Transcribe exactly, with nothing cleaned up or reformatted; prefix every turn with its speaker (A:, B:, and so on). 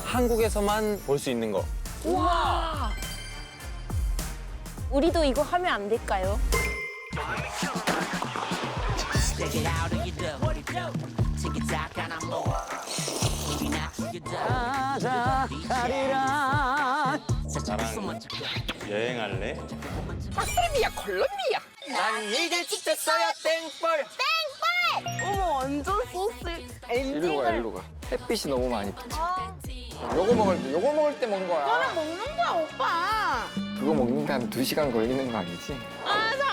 A: 한국에서만 볼 수 있는 거.
B: 우와. 우리도 이거 하면 안 될까요?
A: 가자 가리라. 나랑 여행할래?
C: 콜롬비아, 콜롬비아.
A: 난 이제 찍혔어요 땡벌.
B: 어머 완전 소스.
D: 이리로 가, 이리로 가. 햇빛이 너무 많이 비쳐. 요거 먹을 때, 요거 먹을 때 먹는 거야.
B: 먹는 거야 오빠.
D: 그거 먹는데 한 두 시간 걸리는 거 아니지?
B: 아